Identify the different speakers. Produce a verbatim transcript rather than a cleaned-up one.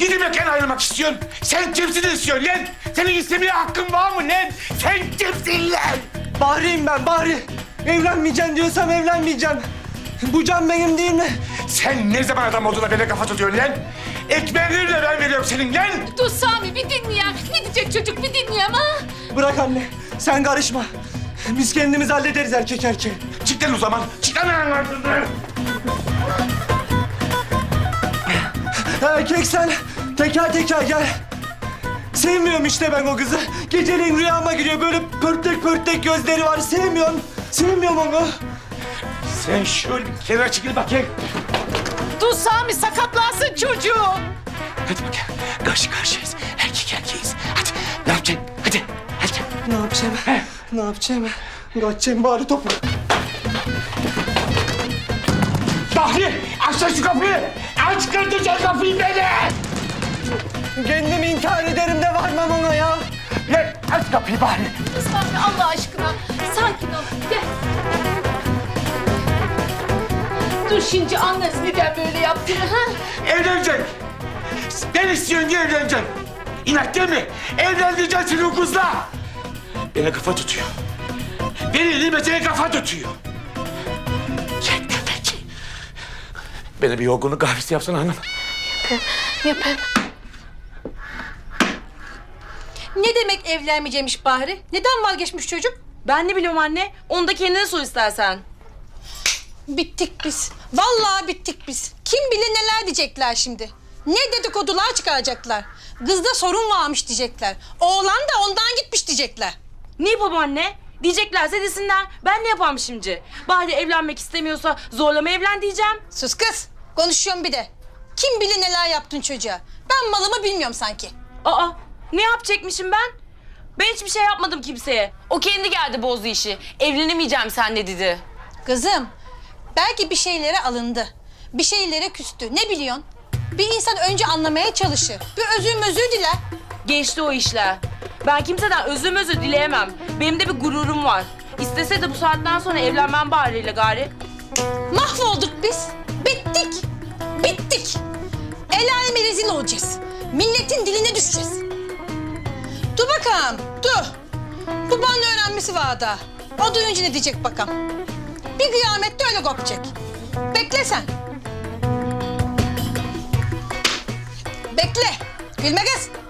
Speaker 1: Ne demek ayrılmak istiyorsun? Sen kimsin istiyorsun lan? Senin istemeye hakkın var mı lan? Sen kimsin lan?
Speaker 2: Bahri'yim ben, Bahri. Evlenmeyeceğim diyorsam evlenmeyeceğim. Bu can benim değil mi?
Speaker 1: Sen ne zaman adam olduğuna böyle kafa tutuyorsun lan? Ekmeğini de ben veriyorum senin lan.
Speaker 3: Dur Sami bir dinle ya. Ne diyecek çocuk bir dinle ama.
Speaker 2: Bırak anne, sen karışma. Biz kendimiz hallederiz erkek erkeğe.
Speaker 1: Çık lan o zaman. Çık lan ağzından.
Speaker 2: Erkek sen, teker teker gel. Sevmiyorum işte ben o kızı. Geceleyin rüyama giriyor, böyle pörtlek pörtlek gözleri var. Sevmiyorum, sevmiyorum onu.
Speaker 1: Sen şöyle bir kenara çekil bakayım.
Speaker 3: Dur Sami sakatlansın çocuğu.
Speaker 1: Hadi bakayım. Karşı karşıyayız. Erkek erkeğiz. Hadi. Ne yapacaksın? Hadi. Hadi.
Speaker 2: Ne yapacağım? Ne yapacağım? Kaçacağım bari topu.
Speaker 1: Bahri! Aç lan şu kapıyı! Aç kırdıcan kapıyı beni!
Speaker 2: Kendimi intihar ederim de varmam ona ya.
Speaker 1: Lan aç kapıyı Bahri!
Speaker 3: Sami Allah aşkına sakin ol. Gel. Dur şimdi anlarız neden böyle yaptığını ha?
Speaker 1: Evleneceksin. Ben istiyorum diye evleneceksin. İnat değil mi? Evlendireceksin seni o kızla. Bana kafa tutuyor. Beni nimete kafa tutuyor. Gel köpek. Bana bir yorgunluk kahvesi yapsana hanım.
Speaker 3: Yapayım.
Speaker 4: Ne demek evlenmeyecekmiş Bahri? Neden vazgeçmiş çocuk?
Speaker 5: Ben ne biliyorum anne. Onu da kendine sor istersen.
Speaker 4: Bittik biz. Vallahi bittik biz. Kim bilir neler diyecekler şimdi. Ne dedikodular çıkaracaklar. Kızda sorun varmış diyecekler. Oğlan da ondan gitmiş diyecekler.
Speaker 5: Ne yapalım anne? Diyeceklerse desinler. Ben ne yapayım şimdi? Bahri evlenmek istemiyorsa zorlama evlen diyeceğim.
Speaker 4: Sus kız. Konuşuyorum bir de. Kim bilir neler yaptın çocuğa. Ben malımı bilmiyorum sanki.
Speaker 5: Aa, ne yapacakmışım ben? Ben hiçbir şey yapmadım kimseye. O kendi geldi bozdu işi. Evlenemeyeceğim seninle dedi.
Speaker 4: Kızım, belki bir şeylere alındı. Bir şeylere küstü. Ne biliyorsun? Bir insan önce anlamaya çalışır. Bir özür özür diler.
Speaker 5: Geçti o işler. Ben kimseden özür özür dileyemem. Benim de bir gururum var. İstese de bu saatten sonra evlenmem Bahri'yle gari.
Speaker 4: Mahvolduk biz. Bittik. Bittik. El aleme rezil olacağız. Milletin diline düşeceğiz. Dur bakalım, dur. Babanın öğrenmesi var daha. O duyunca ne diyecek bakalım. Bir kıyamette öyle kopacak. Bekle sen. Bekle. Gülme kız.